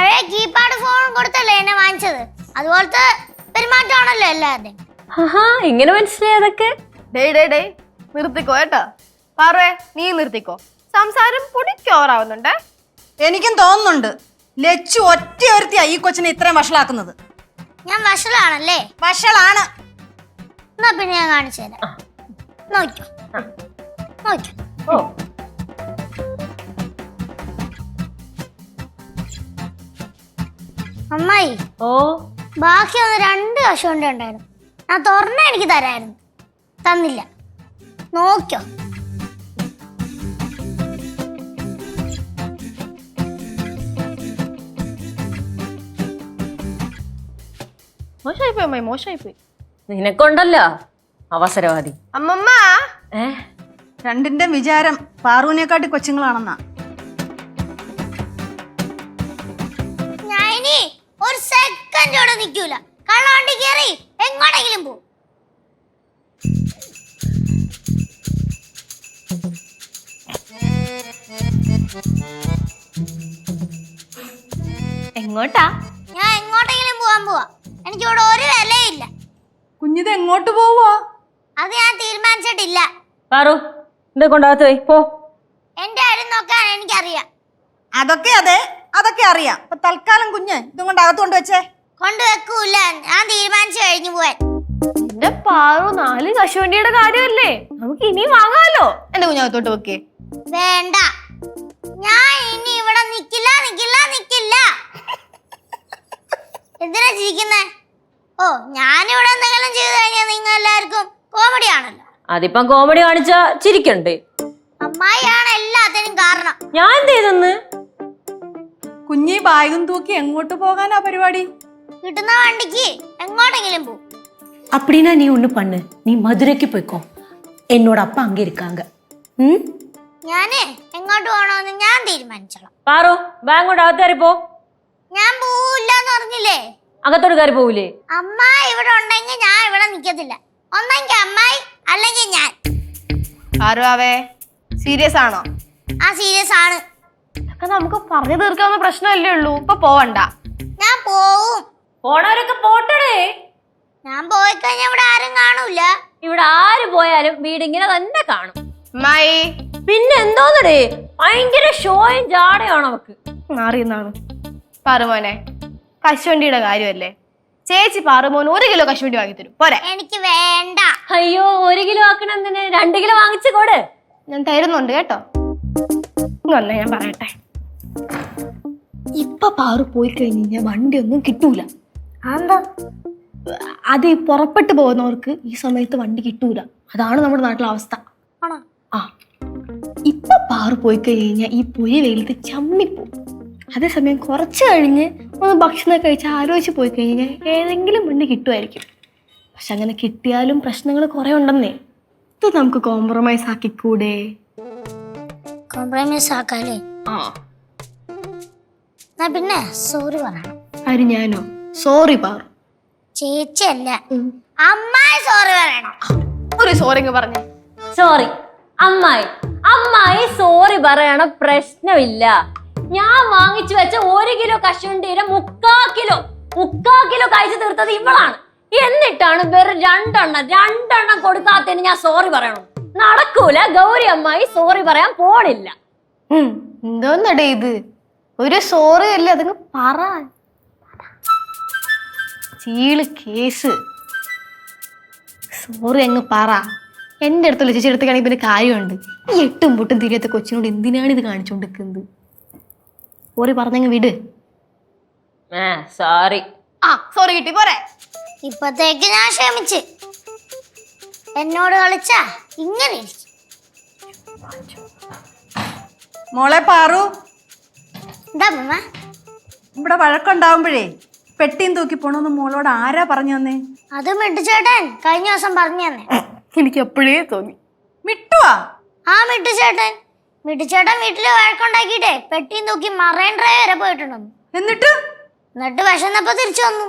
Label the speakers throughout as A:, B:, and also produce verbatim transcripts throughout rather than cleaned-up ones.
A: പഴയ keypad phone കൊടുത്തല്ലേ എന്നെ വാങ്ങിച്ചത്, അതുപോലത്തെ പെരുമാറ്റമാണല്ലോ എല്ലാവരുടെയും.
B: ഇങ്ങനെ മനസ്സിലായതൊക്കെ.
C: ഡേ ഡേ ഡേ നിർത്തിക്കോ കേട്ടോ. പാറുവേ നീ നിർത്തിക്കോ, സംസാരം പൊടിക്കോറാവുന്നുണ്ടേ.
D: എനിക്കും തോന്നുന്നുണ്ട് ലച്ചു ഒറ്റ ഒരുത്തിയാ ഈ കൊച്ചിനെ ഇത്രയും വഷളാക്കുന്നത്.
A: ഞാൻ വഷളാണല്ലേ?
D: വഷളാണ്.
A: എന്നാ പിന്നെ ഞാൻ കാണിച്ചു തരാം. നോക്കോ നോക്കോ.
B: ഓ
A: അമ്മായി,
B: ഓ
A: ബാക്കി ഒന്ന് രണ്ട് കശുവണ്ടി ഉണ്ടായിരുന്നു, ഞാൻ തുറന്ന എനിക്ക് തരായിരുന്നു, തന്നില്ല. നോക്കോ.
C: മോശമായിപ്പോയി അമ്മായി, മോശമായിപ്പോയി.
B: നിനക്കൊണ്ടല്ലോ അവസരവാദി.
C: അമ്മമ്മ
B: ഏ
D: രണ്ടിന്റെ വിചാരം പാറുവിനെക്കാട്ടി കൊച്ചുങ്ങളാണെന്നാ.
A: ഞാൻ ഇനി ഒരു സെക്കൻഡോടെ നിൽക്കൂല. കള്ളവണ്ടി കയറി എങ്ങോട്ടെങ്കിലും പോ.
C: എങ്ങോട്ടാ?
A: ഞാൻ എങ്ങോട്ടെങ്കിലും പോവാൻ പോവാ. എനിക്കിവിടെ ഒരു വിലയില്ല.
D: കുഞ്ഞിത് എങ്ങോട്ട് പോവോ?
A: അത് ഞാൻ തീരുമാനിച്ചിട്ടില്ല.
B: പാറു ഇത് കൊണ്ടാകത്ത് പോയി പോ.
A: എന്റെ കാര്യം നോക്കാൻ എനിക്കറിയാം.
D: അതൊക്കെ അതെ, അതൊക്കെ അറിയാം. അപ്പൊ തൽക്കാലം കുഞ്ഞ് ഇതും കൊണ്ട് അകത്ത് കൊണ്ട് വെച്ചേ.
A: കൊണ്ടുവെക്കൂല, ഞാൻ തീരുമാനിച്ചു കഴിഞ്ഞു പോവാൻ.
C: എന്റെ പാറു, നാല് കശുവണ്ടിയുടെ കാര്യമല്ലേ, നമുക്ക് ഇനിയും വാങ്ങാലോ. എന്റെ കുഞ്ഞകത്തോട്ട് വെക്കേ.
A: വേണ്ട, ഞാൻ ഇനി ഇവിടെ നിക്കില്ല നിക്കില്ല നിക്കില്ല. എന്തിനാ ചിരിക്കുന്നേ? ഓ, ഞാനിവിടെ എന്തെങ്കിലും ചെയ്തു കഴിഞ്ഞാൽ നിങ്ങൾ എല്ലാവർക്കും കോമഡി ആണല്ലോ.
B: അതിപ്പം കോമഡി കാണിച്ചാ ചിരിക്കണ്ടേ?
A: അമ്മായിയാണ് എല്ലാത്തിനും കാരണം.
B: ഞാൻ എന്ത് ചെയ്തെന്ന്?
D: കുഞ്ഞി ബാഗും തൂക്കി എങ്ങോട്ട് പോകാനാ പരിപാടി?
A: കിട്ടുന്ന വണ്ടിക്ക് എങ്ങോട്ടെങ്കിലും പോ.
E: அப்படின்னா நீ ஒன்று பண்ணு, நீ மதுரைக்கு போய்க்கோ, என்னோட அப்பா அங்கே இருக்காங்க. ம்
A: ഞാന് എങ്ങോട്ട് പോകണമെന്ന് ഞാൻ തീരുമാനിച്ചോളാം.
B: പാറു ബാങ്ക് കൊണ്ട് അകത്ത് കയറി പോ.
A: ഞാൻ പോവില്ലെന്ന് പറഞ്ഞില്ലേ?
B: അകത്തോട്ട് കയറി പോവില്ലേ?
A: അമ്മായി ഇവിടെ ഉണ്ടെങ്കിൽ ഞാൻ ഇവിടെ നിക്കത്തില്ല. ഒന്നെങ്കിൽ അമ്മായി അല്ലെങ്കിൽ ഞാൻ.
C: പാറുവാവേ സീരിയസ് ആണോ?
A: ആ സീരിയസ് ആണ്.
C: നമുക്ക് പറഞ്ഞു തീർക്കാവുന്ന പ്രശ്നമല്ലേ ഉള്ളൂ, ഇപ്പൊ പോവണ്ട.
A: ഞാൻ പോവും.
B: പോണവരൊക്കെ പോട്ടടേ.
A: ഞാൻ പോയി കഴിഞ്ഞാൽ ഇവിടെ ആരും കാണൂല.
B: ഇവിടെ ആര് പോയാലും വീടിങ്ങനെ തന്നെ കാണും.
C: അമ്മായി
B: പിന്നെ എന്തോന്നടേ, ഭയങ്കര ഷോയും ജാടയാണ് അവക്ക്.
C: മാറിയെന്നാണ്. പാറുമോനെ കശുവണ്ടിയുടെ കാര്യമല്ലേ, ചേച്ചി പാറുമോന് ഒരു കിലോ കശുവണ്ടി വാങ്ങി തരും പോരെ?
A: എനിക്ക് വേണ്ട.
B: അയ്യോ, ഒരു കിലോ ആക്കണം എന്തിന്? രണ്ട് കിലോ വാങ്ങിച്ചു കൊടു.
C: ഞാൻ തരുന്നുണ്ട് കേട്ടോ. ഇങ്ങൊന്നെ ഞാൻ പറയട്ടെ, ഇപ്പൊ പാറു പോയി കഴിഞ്ഞ് വണ്ടി ഒന്നും കിട്ടൂല.
A: എന്താ?
C: അത് ഈ പുറപ്പെട്ടു പോകുന്നവർക്ക് ഈ സമയത്ത് വണ്ടി കിട്ടൂല. അതാണ് നമ്മുടെ നാട്ടിലെ അവസ്ഥ.
A: ആണോ?
C: ആ, ഇപ്പൊ പാറു പോയി കഴിഞ്ഞാൽ ഈ പൊരി വെയിലത്ത് ചമ്മിപ്പോവും. അതേസമയം കുറച്ച് കഴിഞ്ഞ് ഒന്ന് ഭക്ഷണം കഴിച്ച് ആലോചിച്ച് പോയി കഴിഞ്ഞാൽ ഏതെങ്കിലും വണ്ടി കിട്ടുമായിരിക്കും. പക്ഷെ അങ്ങനെ കിട്ടിയാലും പ്രശ്നങ്ങൾ കുറെ ഉണ്ടെന്നേ. ഇത് നമുക്ക് കോംപ്രമൈസ് ആക്കിക്കൂടെ?
A: കോംപ്രമൈസ് ആക്കാല്ലേ?
C: ആ,
A: എന്നാ പിന്നെ സോറി പറയണം.
C: ആര്, ഞാനോ? സോറി പാറു.
A: ചേച്ചിയല്ല, അമ്മായി സോറി പറയണം.
C: ഒരു സോറി അങ്ങ് പറഞ്ഞേ.
B: സോറി അമ്മായി. അമ്മായി സോറി പറയണ പ്രശ്നമില്ല. ഞാൻ വാങ്ങിച്ചു വെച്ച ഒരു കിലോ കശുവണ്ടിയുടെ മുക്കാ കിലോ മുക്കാ കിലോ കഴിച്ചു തീർത്തത് ഇവളാണ്. എന്നിട്ടാണ് വെറും രണ്ടെണ്ണം രണ്ടെണ്ണം കൊടുക്കാത്തതിന് ഞാൻ സോറി പറയണം? നടക്കൂല. ഗൗരി അമ്മായി സോറി പറയാൻ പോണില്ല.
C: എന്തോന്നടേ ഇത്? ഒരു സോറി അല്ലേ, അതങ്ങ് പറ. ചീള് കേസ്. സോറി അങ്ങ് പറ. എന്റെ അടുത്തുള്ള ചേച്ചി എടുത്തേക്കാണെങ്കിൽ പിന്നെ കാര്യമുണ്ട്. ഈ എട്ടും പൊട്ടും തിരിയാത്ത കൊച്ചിനോട് എന്തിനാണ് ഇത് കാണിച്ചുകൊണ്ടിരിക്കുന്നത്? സോറി പറഞ്ഞങ്ങ് വിട്.
B: സോറി.
C: ആ, സോറി കിട്ടി പോരെ?
A: ഇപ്പത്തേക്ക് ഞാൻ ക്ഷമിച്ച്. എന്നോട് കളിച്ചാ ഇങ്ങനെ ഇരിക്കും.
D: മോളെ പാറു,
A: എന്താ അമ്മ?
D: ഇവിടെ വഴക്കുണ്ടാവുമ്പോഴേ പെട്ടിയും തൂക്കി പോണെന്ന് മോളോട് ആരാ പറഞ്ഞു തന്നേ?
A: അത് മിട്ടുചേട്ടൻ കഴിഞ്ഞ ദിവസം പറഞ്ഞു തന്നെ.
C: എനിക്ക് എപ്പോഴേ തോന്നി.
D: മിട്ടുവാ?
A: ആ മിട്ടുചേട്ടൻ. മിട്ടുചേട്ടൻ വീട്ടില് വഴക്കുണ്ടാക്കിയിട്ടേ പെട്ടിയും തൂക്കി മറൈൻ ഡ്രൈവ് വരെ പോയിട്ടുണ്ടെന്ന്.
D: എന്നിട്ട്
A: എന്നിട്ട് വിശന്നപ്പോ തിരിച്ചു വന്നു.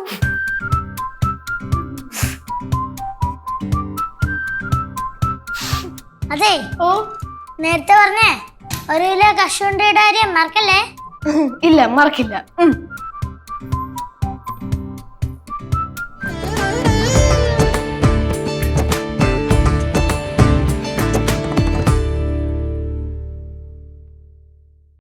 A: അതെ,
C: ഓ
A: നേരത്തെ പറഞ്ഞേ ഒരു കിലോ കശുവണ്ടിയുടെ കാര്യം മറക്കല്ലേ?
C: ഇല്ല മറക്കില്ല.
D: ഉം.